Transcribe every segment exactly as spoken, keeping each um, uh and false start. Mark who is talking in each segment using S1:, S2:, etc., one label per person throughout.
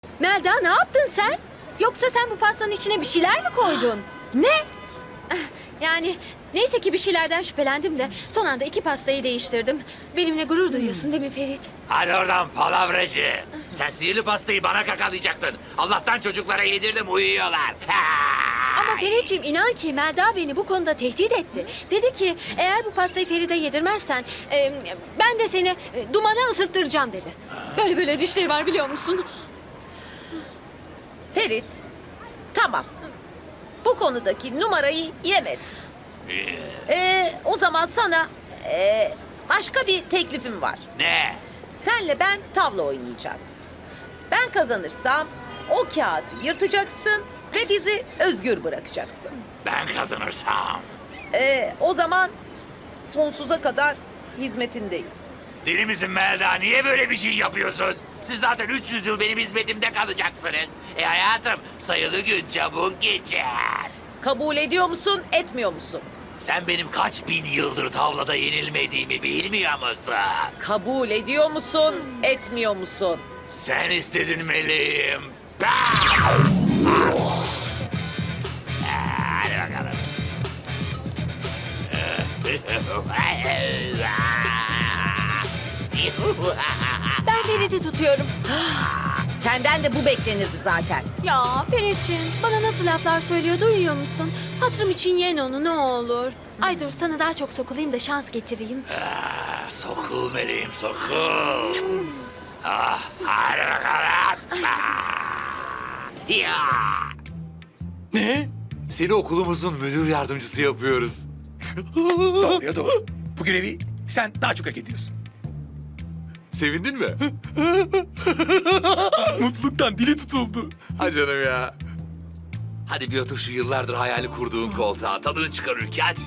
S1: Melda, ne yaptın sen? Yoksa sen bu pastanın içine bir şeyler mi koydun? Ne? Yani neyse ki bir şeylerden şüphelendim de son anda iki pastayı değiştirdim. Benimle gurur duyuyorsun değil mi Ferit?
S2: Hadi oradan palavracı. Sen sihirli pastayı bana kakalayacaktın. Allah'tan çocuklara yedirdim, uyuyorlar.
S1: Ama Ferit'ciğim inan ki Melda beni bu konuda tehdit etti. Dedi ki eğer bu pastayı Ferit'e yedirmezsen e, ben de seni e, dumana ısırttıracağım dedi. Böyle böyle dişleri var biliyor musun?
S3: Ferit, tamam. Bu konudaki numarayı yemedin. Ee, o zaman sana ee, başka bir teklifim var.
S2: Ne?
S3: Senle ben tavla oynayacağız. Ben kazanırsam o kağıdı yırtacaksın ve bizi özgür bırakacaksın.
S2: Ben kazanırsam.
S3: Ee, o zaman sonsuza kadar hizmetindeyiz.
S2: Deli misin Melda? Niye böyle bir şey yapıyorsun? Siz zaten üç yüz yıl benim hizmetimde kalacaksınız. E hayatım, sayılı gün çabuk geçer.
S3: Kabul ediyor musun, etmiyor musun?
S2: Sen benim kaç bin yıldır tavlada yenilmediğimi bilmiyor musun?
S3: Kabul ediyor musun, etmiyor musun?
S2: Sen istedin meleğim. Bah! Hadi bakalım.
S1: Ben Ferit'i tutuyorum.
S3: Senden de bu beklenirdi zaten.
S1: Ya Ferit'ciğim bana nasıl laflar söylüyor duyuyor musun? Hatırım için yen onu ne olur. Ay dur sana daha çok sokulayım da şans getireyim.
S2: Ah, Sokul meleğim, sokul. Ah, hadi bakalım. Ah, ya. Ne? Seni okulumuzun müdür yardımcısı yapıyoruz.
S4: Doğru ya doğru. Bu görevi sen daha çok hak ediyorsun.
S2: Sevindin mi?
S4: Mutluluktan dili tutuldu.
S2: Ha canım ya. Hadi bir otur şu yıllardır hayali kurduğun koltuğa. Tadını çıkar ülke hadi.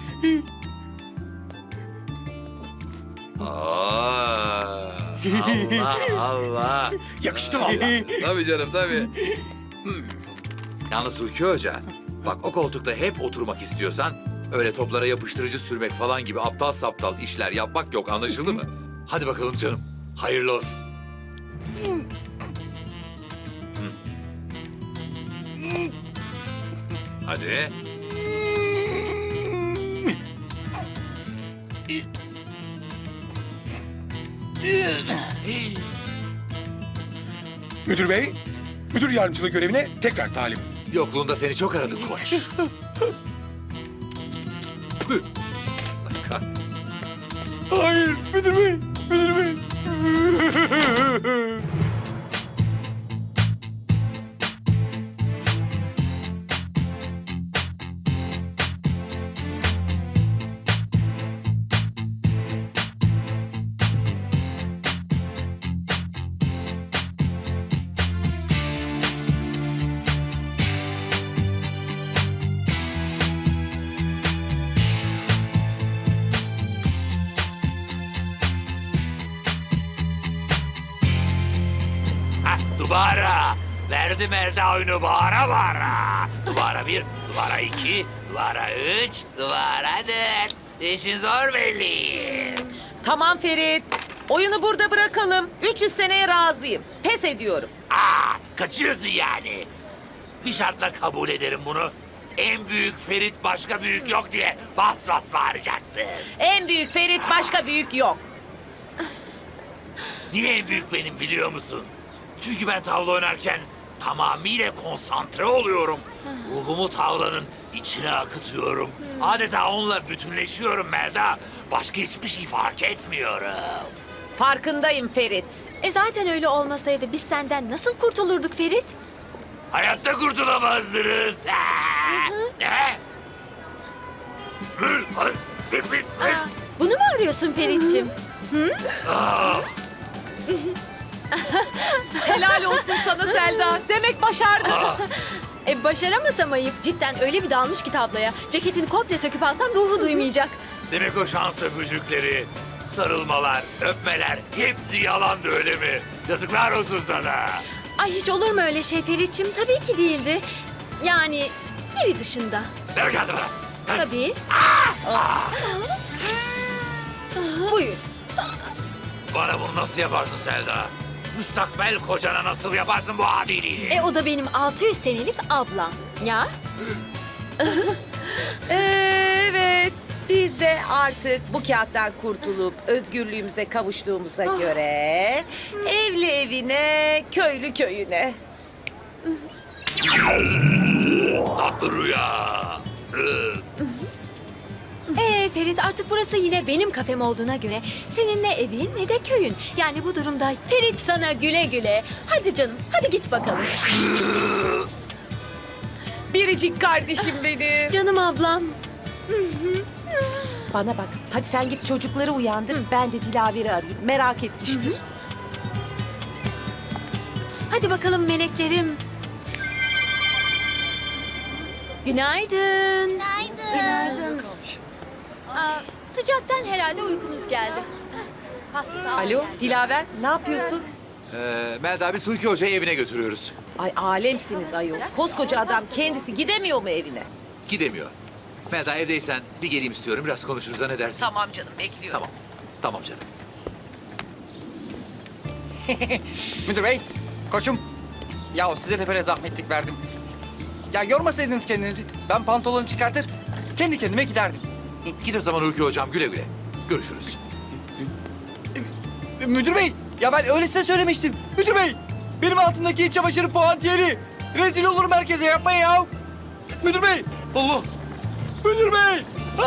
S2: Aa, Allah Allah.
S4: Yakıştı vallahi.
S2: Tabii canım tabii. Hmm. Yalnız Hulki Hoca, bak o koltukta hep oturmak istiyorsan öyle toplara yapıştırıcı sürmek falan gibi aptal saptal işler yapmak yok, anlaşıldı mı? Hadi bakalım canım. Hayırlı olsun. Hı. Hadi.
S4: Müdür bey, müdür yardımcılığı görevine tekrar talibim.
S2: Yokluğunda seni çok aradık koç. Allah kahretsin.
S4: Hayır, müdür bey, müdür bey.
S2: Hah, dubara. Verdim elde oyunu bağıra bağıra. Dubara bir, dubara iki, dubara üç, dubara dört. İşin zor belli.
S3: Tamam Ferit, oyunu burada bırakalım. üç yüz seneye razıyım. Pes ediyorum.
S2: Aa, kaçıyorsun yani. Bir şartla kabul ederim bunu. En büyük Ferit başka büyük yok diye bas bas bağıracaksın.
S3: En büyük Ferit, başka büyük yok.
S2: Niye en büyük benim biliyor musun? Çünkü ben tavla oynarken tamamıyla konsantre oluyorum. Ruhumu tavlanın içine akıtıyorum. Adeta onunla bütünleşiyorum Melda. Başka hiçbir şey fark etmiyorum.
S3: Farkındayım Ferit.
S1: E zaten öyle olmasaydı biz senden nasıl kurtulurduk Ferit?
S2: Hayatta kurtulamazdınız. Aa, ne? Hı, ay, bir, bir, bir.
S1: Aa, bunu mu arıyorsun Ferit'ciğim?
S2: Aa,
S3: Helal olsun sana Selda. Demek başardın.
S1: E başaramasam ayıp. Cidden öyle bir dalmış ki tabloya. Ceketini komple söküp alsam ruhu duymayacak.
S2: demek o şans öpücükleri, sarılmalar, öpmeler hepsi yalandı öyle mi? Yazıklar olsun sana.
S1: Ay hiç olur mu öyle şey Ferit'ciğim? Tabii ki değildi. Yani biri dışında.
S2: Ver geldi bana. Ver.
S1: Tabii. Buyur.
S2: Bana bunu nasıl yaparsın Selda? müstakbel kocana nasıl yaparsın bu adiliği?
S1: E o da benim altı yüz senelik ablam. Ya?
S3: Evet. Biz de artık bu kağıttan kurtulup özgürlüğümüze kavuştuğumuza göre evli evine, köylü köyüne.
S2: Tatlı rüya.
S1: Ee Ferit, artık burası yine benim kafem olduğuna göre senin ne evin ne de köyün. Yani bu durumda Ferit sana güle güle. Hadi canım, hadi git bakalım.
S3: Biricik kardeşim benim.
S1: Canım ablam.
S3: Bana bak, hadi sen git çocukları uyandır. Ben de Dilaver'i arayayım. Merak etmiştir.
S1: Hadi bakalım meleklerim. Günaydın. Günaydın. Aa, sıcaktan herhalde uykunuz geldi. Pasta da-
S3: Alo, Dilaver, ne yapıyorsun?
S2: Ee, Melda biz Hulki Hoca'yı evine götürüyoruz.
S3: Ay alemsiniz ayol. Koskoca adam kendisi gidemiyor mu evine?
S2: Gidemiyor. Melda evdeysen bir geleyim istiyorum. Biraz konuşuruz ha, ne dersin?
S3: Tamam canım, bekliyorum.
S2: Tamam. Tamam canım.
S5: Müdür bey, koçum. Ya size de böyle zahmetlik verdim. Ya yormasaydınız kendinizi. Ben pantolonu çıkartır, kendi kendime giderdim.
S2: Git o zaman Hulki Hocam, güle güle. Görüşürüz.
S5: E, Müdür bey, ya ben öyle size söylemiştim. Müdür bey, benim altımdaki iç çamaşırı puantiyeli. Rezil olurum herkese, yapmayın ya. Müdür bey, Allah. Müdür bey.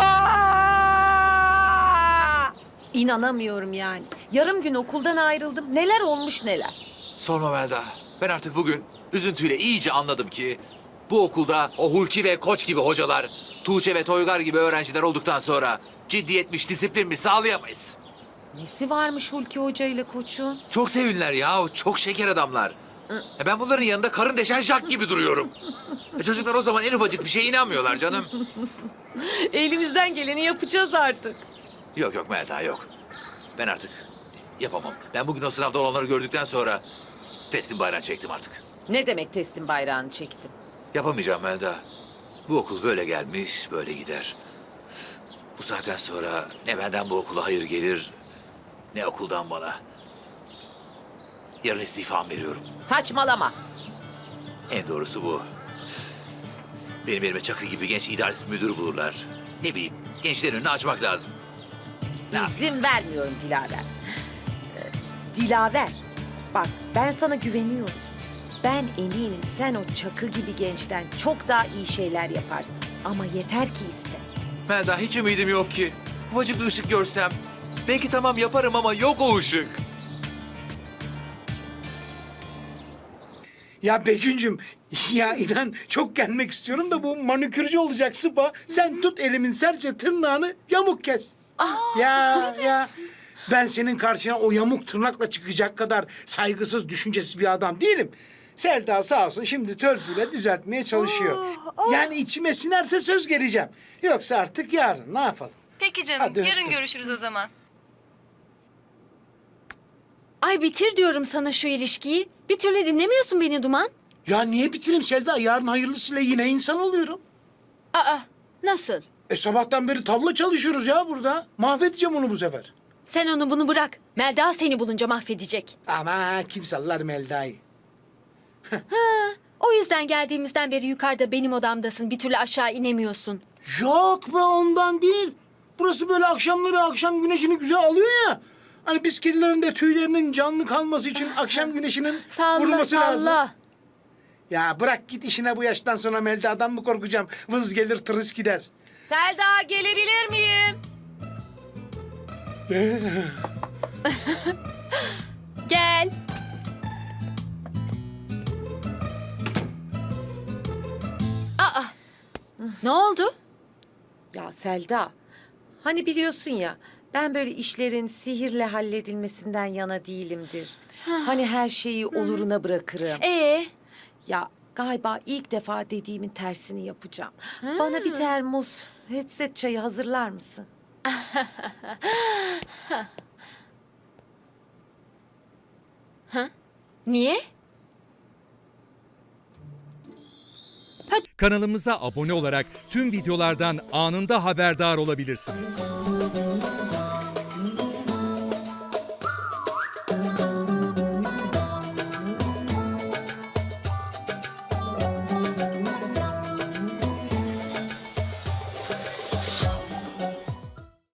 S5: Aa!
S3: İnanamıyorum yani. Yarım gün okuldan ayrıldım. Neler olmuş neler.
S2: Sorma Melda. Ben artık bugün üzüntüyle iyice anladım ki bu okulda o Hulki ve Koç gibi hocalar, Tuğçe ve Toygar gibi öğrenciler olduktan sonra ciddiyetmiş, disiplin mi sağlayamayız.
S3: Nesi varmış Hulki Hoca ile koçun?
S2: Çok sevinler ya, çok şeker adamlar. E ben bunların yanında karın deşen Jack gibi duruyorum. E çocuklar o zaman en ufacık bir şeye inanmıyorlar canım.
S3: Elimizden geleni yapacağız artık.
S2: Yok yok Melda yok. Ben artık yapamam. Ben bugün o sınavda olanları gördükten sonra teslim bayrağını çektim artık.
S3: Ne demek teslim bayrağını çektim?
S2: Yapamayacağım Melda. Bu okul böyle gelmiş, böyle gider. Bu saatten sonra ne benden bu okula hayır gelir, ne okuldan bana. Yarın istifam veriyorum.
S3: Saçmalama.
S2: En doğrusu bu. Benim elime Çakı gibi genç idaresi müdür bulurlar. Ne bileyim, gençlerin önünü açmak lazım. Ne yapayım?
S3: İzin vermiyorum Dilaver. Ee, Dilaver, bak ben sana güveniyorum. Ben eminim sen o Çakı gibi gençten çok daha iyi şeyler yaparsın. Ama yeter ki iste.
S2: Melda hiç ümidim yok ki. Ufacık bir ışık görsem. Belki tamam yaparım ama yok o ışık.
S4: Ya Begüncüm, ya inan çok gelmek istiyorum da bu manikürcü olacak Sıpa. Sen tut elimin serçe tırnağını yamuk kes. Ya ya ben senin karşına o yamuk tırnakla çıkacak kadar saygısız, düşüncesiz bir adam değilim. Selda sağ olsun şimdi törpüyle düzeltmeye çalışıyor. Yani içime sinerse söz geleceğim. Yoksa artık yarın ne yapalım?
S6: Peki canım,
S4: Hadi
S6: yarın
S4: öptüm.
S6: görüşürüz o zaman.
S1: Ay bitir diyorum sana şu ilişkiyi. Bir türlü dinlemiyorsun beni Duman.
S4: Ya niye bitireyim Selda? Yarın hayırlısıyla yine insan oluyorum.
S1: Aa, nasıl?
S4: E sabahtan beri tavla çalışıyoruz ya burada. Mahvedeceğim onu bu sefer.
S1: Sen onu bunu bırak. Melda seni bulunca mahvedecek.
S4: Ama kim sallar Melda'yı?
S1: O yüzden geldiğimizden beri yukarıda benim odamdasın. Bir türlü aşağı inemiyorsun.
S4: Yok be ondan değil. Burası böyle akşamları akşam güneşini güzel alıyor ya. Hani biz kedilerin de tüylerinin canlı kalması için akşam güneşinin
S1: Salla
S4: vurması lazım.
S1: salla.
S4: Ya bırak git işine bu yaştan sonra Melda'dan mı korkacağım? Vız gelir tırıs gider.
S3: Selda gelebilir miyim?
S1: Gel. Aa, ne oldu?
S3: Ya Selda, hani biliyorsun ya ben böyle işlerin sihirle halledilmesinden yana değilimdir. Hani her şeyi oluruna bırakırım.
S1: Ee,
S3: Ya galiba ilk defa dediğimin tersini yapacağım. Bana bir termos headset çayı hazırlar mısın?
S1: niye?
S7: Kanalımıza abone olarak tüm videolardan anında haberdar olabilirsiniz.